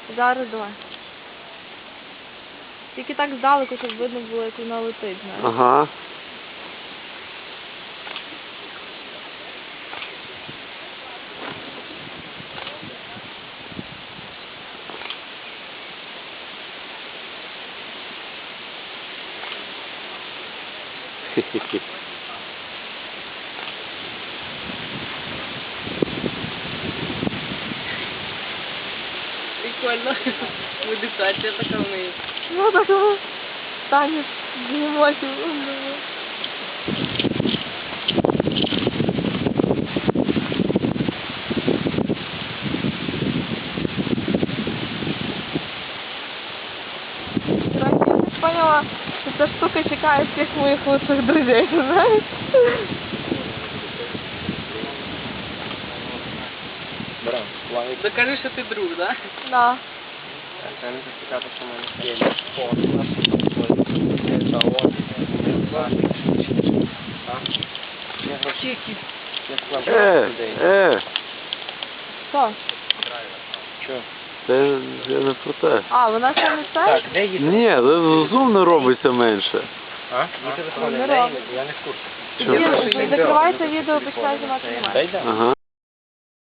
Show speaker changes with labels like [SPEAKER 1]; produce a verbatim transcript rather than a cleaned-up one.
[SPEAKER 1] Зараз давай. Тільки так здалеку, щоб видно було, як вона летить, знаєш.
[SPEAKER 2] Ага. Хе-хе-хе.
[SPEAKER 3] Прикольно. Медитація така в неї.
[SPEAKER 1] Ну так, танець з емоцій. Короче, я так поняла, что эта штука чекает всех моих лучших друзей, знаешь?
[SPEAKER 4] Брам, плавик.
[SPEAKER 3] Докажи, що ти друг, да?
[SPEAKER 1] Да.
[SPEAKER 4] Це не цікаво, що в мене є фото. Це от. Я гроші. Я склав
[SPEAKER 2] Е,
[SPEAKER 4] людей.
[SPEAKER 2] е,
[SPEAKER 1] Що?
[SPEAKER 4] Що?
[SPEAKER 2] це я не про те.
[SPEAKER 1] А, вона ще не це?
[SPEAKER 4] Так, де їде?
[SPEAKER 2] Ні, зум не робиться менше.
[SPEAKER 4] А? Мій телефон,
[SPEAKER 1] Не
[SPEAKER 4] де
[SPEAKER 1] робить.
[SPEAKER 4] їде? Я не в курсі.
[SPEAKER 2] Чого?
[SPEAKER 1] Закривайте відео, починай знімати мене.
[SPEAKER 4] Дай, да.
[SPEAKER 2] Ага.